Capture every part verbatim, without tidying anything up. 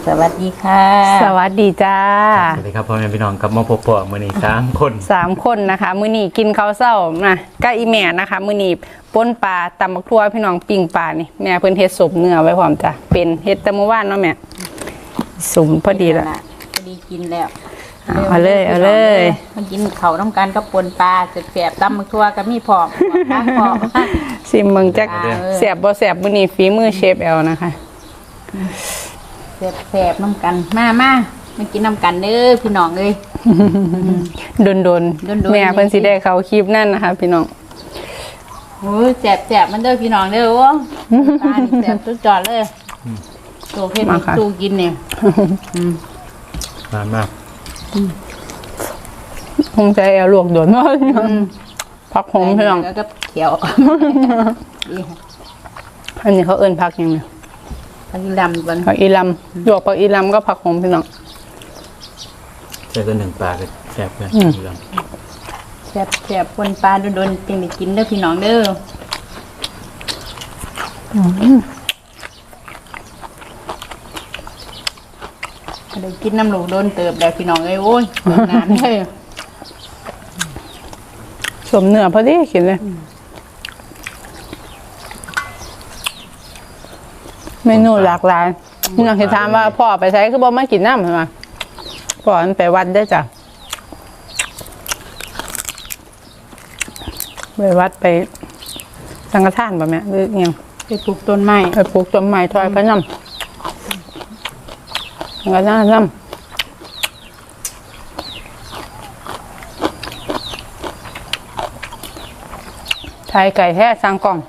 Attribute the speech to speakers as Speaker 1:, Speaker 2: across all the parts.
Speaker 1: สวัสดีค่ะ
Speaker 2: สวัสดีจ้า
Speaker 3: สวัสดีครับพ่อแม่พี่น้องกับมาพบปะมื้อนี้สามคน
Speaker 2: สามคนนะคะมื้อนี้กินข้าวเช้านะก็อีแม่นะคะมื้อนี้ป่นปลาตำบักทั่วพี่น้องปิ้งปลานี่แม่เพิ่นเฮ็ดสมเนื้อไว้พร้อมจ้ะเป็นเฮ็ดแต่เมื่อวานเนาะแม่สมพอดีละ
Speaker 1: พอดีกินแล้ว
Speaker 2: เอาเลยเอาเลย
Speaker 1: มากินข้าวน้ำกันกับปนปลาแสบๆตำบักทั่วก็มีพร้อมข้างพร้อม
Speaker 2: ชิมเบิ่งจักแซ่บบ่แซ่บมื้อนี้ฝีมือเชฟแอลนะคะ
Speaker 1: แสบๆน้ำกันมามามากินน้ำกันเด้อพี่น้องเอ้ย
Speaker 2: โดนโดนแม่เพิ่นสิได้เข้าคลิปนั่นนะคะพี่น้อง
Speaker 1: โอ้ยแสบๆมันเด้อพี่น้องเด้อโอ้ปลาแสบสุดจอดเลยโตเฮ็ดตู้กินเนี่ย
Speaker 3: นานมาก
Speaker 2: คงใจแอลลวกโดนมากผักหอมพี่น้อง
Speaker 1: แล้วก็เขียว
Speaker 2: อันนี้เขาเอิ้นผักยังไง
Speaker 1: ผักอีลำกัน
Speaker 2: ผักอีลำหยวกผักอีลำก็ผักหอมพี่น้อง
Speaker 3: ใช่ก็หนึ่งปลาก็แซ่บเลย
Speaker 1: แซ่บแซ่บปนปลาโดนๆจริงได้กินเด้อพี่น้องเด้อได้กินน้ำลูกโดนเติบแล้วพี่น้องเอ้ยโอ้ยงานเลย
Speaker 2: สมเนื้อพอดีกินเลยเมนูหลากหลายนี่เราคิดถามว่าพ่อไปใช้คือบ่มากินน้ำใช่ไหมพ่อมันไปวัดได้จ้ะไปวัดไปสังฆทานป่ะแม่หรือยัง
Speaker 1: ไปปลูกต้นไม้
Speaker 2: ไปปลูกต้นไม้ถอยพระน้ำสังฆทานน้ำไทยไก่แท้สร้างกล่อง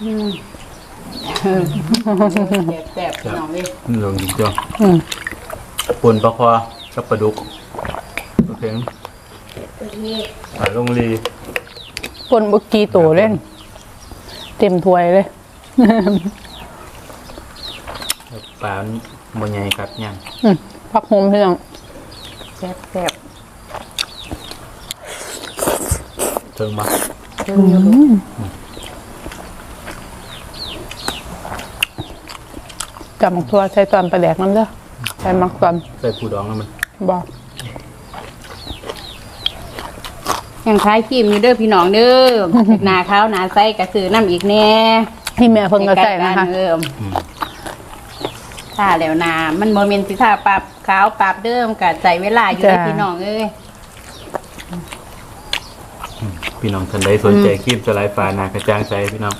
Speaker 1: แซ่บๆพี่น้องเลย
Speaker 3: ลงจริงจ้ะปนปลาคอกับปลาดุกโอเคปลาลงลี
Speaker 2: ปนบุกีโตเล่นเต็มถ้วยเลย
Speaker 3: ปลาโมยใหญ่ครับย่าง
Speaker 2: ผักโฮมเพียง
Speaker 1: แซ่บแซ่บ
Speaker 3: เติมมา
Speaker 1: เติมอยู่
Speaker 2: จับมักทั่วใส่ตอนปลาแดกน้ำเด้อใส่มักตอน
Speaker 3: ใส่ปูดองแล้วมัน
Speaker 2: บอก
Speaker 1: ยังคล้ายครีมอยู่เด้อพี่น้องเด้อหนาขาวหนาใสกระสือน้ำอีกแน่
Speaker 2: ที่แม่เพิ่งก็ใส่นะคะ
Speaker 1: ถ้าแล้วนามันโมเมนต์สิท่าปรับขาวปรับเดิมกับใจเวลาอยู่พี่น้องเอ้ย
Speaker 3: พี่น้องท่านใดสนใจครีมสไลด์ฟ้านากระจ่างใจพี่น้อง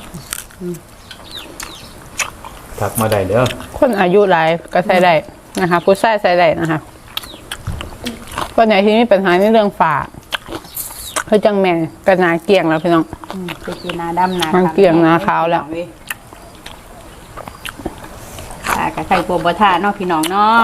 Speaker 3: ทักมาได้เด้อ
Speaker 2: คนอายุหลายก็ใส่ได้นะคะผู้ชายใส่ได้นะคะคนไหนที่มีปัญหาในเรื่องฝ่าเขาจังแม่กระนาเกี่ยงแล้วพี่น้อง
Speaker 1: ไปกินนาดำนา
Speaker 2: เกี่ยงนาขาวแล้ว
Speaker 1: ค่ะกระไข่โปรบท่าเนาะพี่น้องเนาะ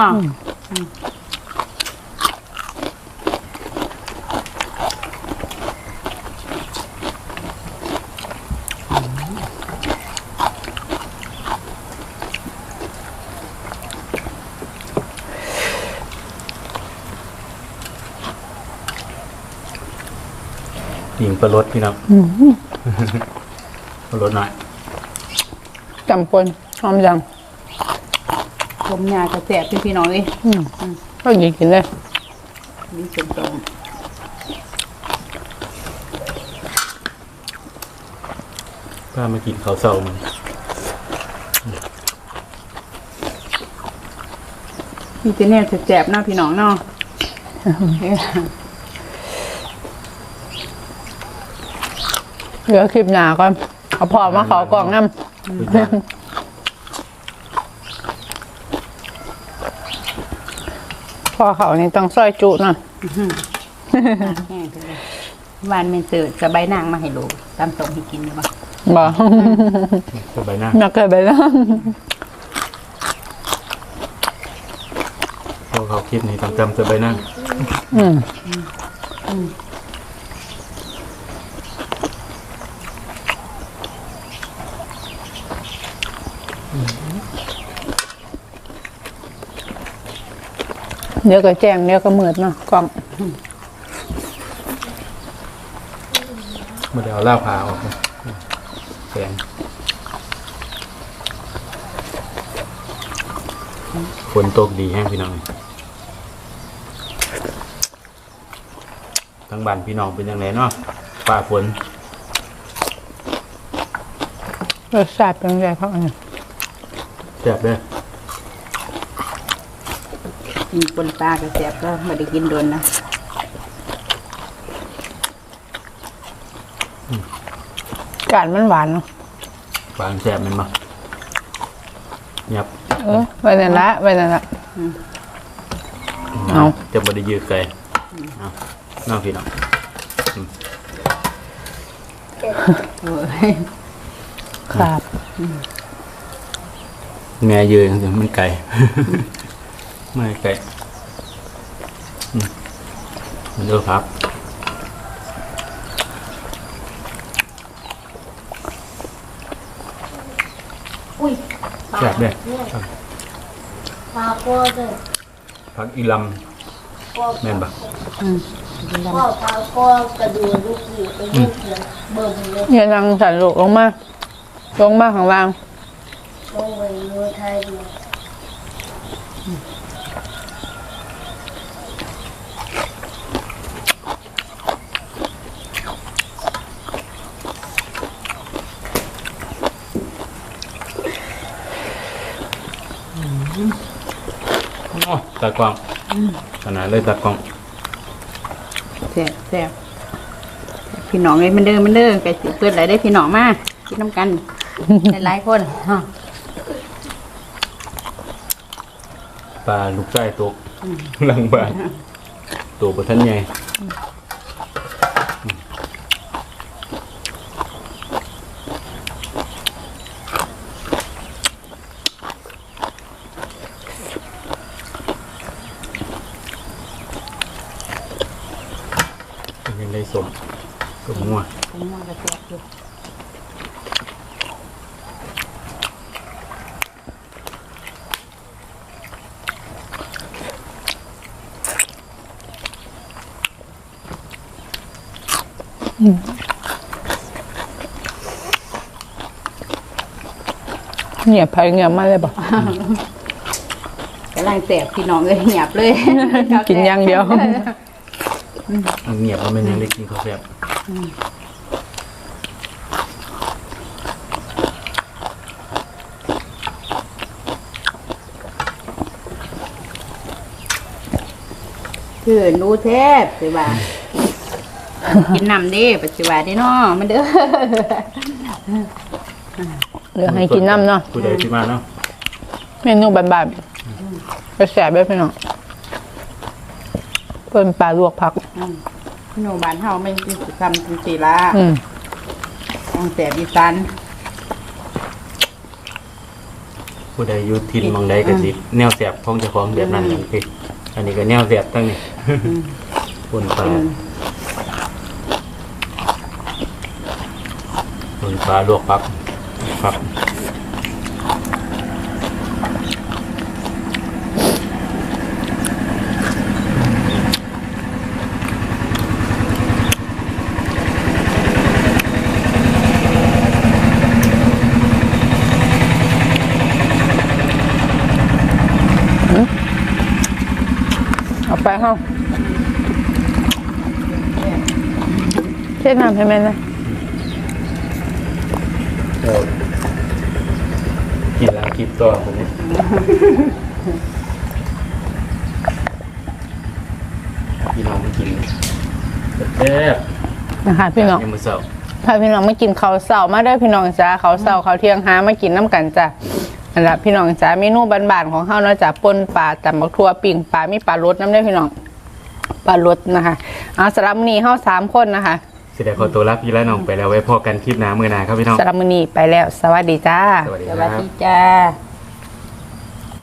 Speaker 3: หญิงประรดพี่น้องประรดหน่อย
Speaker 2: จำปนหอมจัง
Speaker 1: ผมยากระแสบพี่พี่น้องเลย
Speaker 2: ก็หยิบกินเลย
Speaker 1: นี่เป็นตรง
Speaker 3: ป้ามากินข้าวเสามัน
Speaker 1: พี่เจเน่แสบหน้าพี่น้องเนาะ
Speaker 2: เหลือคลิปหนาก่อนเอาพอมาขอกล่องน้ำพอเขานี่ต้องซอยจุนะ
Speaker 1: วานเมนเสิร์ฟจะใบนางมาให้ลูกตามส่งให้กินหรือเปล่า
Speaker 2: บ่
Speaker 3: จะใบนาง
Speaker 2: นักเกิดใบนาง
Speaker 3: พอเขาคิดนี่ต้องจำจะใบนาง
Speaker 2: อืมเดี๋ยวก็แจ้งเดี๋ยวก็มืดเนาะกล่อง
Speaker 3: มาเดี๋ยวเอาเหล้าผาออกแกงฝนตกดีแห้งพี่น้องทั้งบ้านพี่น้องเป็นยังไงเนาะฟ้าฝน
Speaker 2: รสชาติเป็นไงครับอันนี้
Speaker 3: แซ่บเด้อ
Speaker 1: กินปนปลาก็แซ่บก็ไม่ได้กินโดนนะ
Speaker 2: กาดมันหวานเนาะ
Speaker 3: ปลาแซ่บแมันมายับ
Speaker 2: เออไปนั่นละไปนั่นละ เอา
Speaker 3: จะบ่ได้ยืดไกลเอาน้องพี่น้อง
Speaker 1: โอ้ย
Speaker 2: ครับ
Speaker 3: แม่ยืดจังๆมันไกล ไม่ไกลอืมมันเด้อครับ
Speaker 4: อุ้ย
Speaker 3: แซ่บเด้อ
Speaker 4: ปลาโป้เลย
Speaker 3: ผักอีลำแม่นปะ
Speaker 4: พ่อปลาโป้กระดูกลูกหยีไปเล่นเสียงเบิ่มเลย
Speaker 2: อย่าลังสันลูกลงมาลงมาข้างล่าง
Speaker 4: ลงไปมือไทยดู
Speaker 3: โอ้ตากล้องขนาดเลยตากล้อง
Speaker 1: แซ่บแซ่บพี่น้องเลยมันเด้อมันเด้อไก่สิเกิดอะไรได้พี่น้องมากินน้ำกันหลายๆคนฮะ
Speaker 3: ปลาลูกไส้ตกหลังบ้านตัวบ่ทันใหญ่ยังได้สมสมงัว
Speaker 1: ผมว่าจะแซ่บอยู่
Speaker 2: เงียบไปเงียบมาเลยบอก
Speaker 1: กำลังแซ่บพี่น้องเลยเงียบเลย
Speaker 2: กินอย่างเดียว
Speaker 3: อันเงียบแล้วมันยังได้กินข้าวแซ่บ
Speaker 1: คือหนูแทบสิว่ากินน้ำเด้ปัจจุบันนี่เนาะมันเด้อ
Speaker 2: เหลือให้กินน้ำเนาะ
Speaker 3: ผู้ใดที่มาเนาะ
Speaker 2: เมนูบานๆไปแสบแบบพี่น้องเป็นปลาลวกผัก
Speaker 1: พี่น้องบ้านเฮาไม่กินสิคำกินสีละ
Speaker 2: อืม
Speaker 1: ต้องแซ่บอีสาน
Speaker 3: ผู้ใดอยู่ทินหมองใดก็สิแนวแซ่บของเจ้าของแบบนั้นอย่างที่อันนี้ก็แนวแซ่บตั้งนี่ ปนปลาปนปลาลวกผักผัก
Speaker 2: เอาไปห้องเช็ดน้ำให้แม่นะ
Speaker 3: เออกินแล้วคิดต่อผมเนี่ยพี่น้องไม่กินแซ่บ
Speaker 2: นะคะพี่น้อง
Speaker 3: ยังมือเสา
Speaker 2: พาพี่น้องมากินข้าวเสามาได้อพี่น้องจ้าข้าวเสาข้าวเที่ยงหามากินน้ำกันจ้ะอันละพี่น้องจ้าเมนูบ้านๆของเฮาเนาะจ้ะป่นปลาตำบักทั่วปิ่งปลามีปลารสน้ำได้อพี่น้องปลารสนะคะเอาสำหรับมื้อนี้เฮาสามคนนะคะ
Speaker 3: เสียดายขอตัวรับพี่และน้องไปแล้วไว้พอกันคลิปหน้ามือหนาครับพี่น้อง
Speaker 2: สำหรับมื้อนี้ไปแล้ว สวัสดีจ้า
Speaker 3: สวัสดี
Speaker 1: ส
Speaker 3: ค
Speaker 1: วัส
Speaker 3: รับ
Speaker 1: ดีจ้า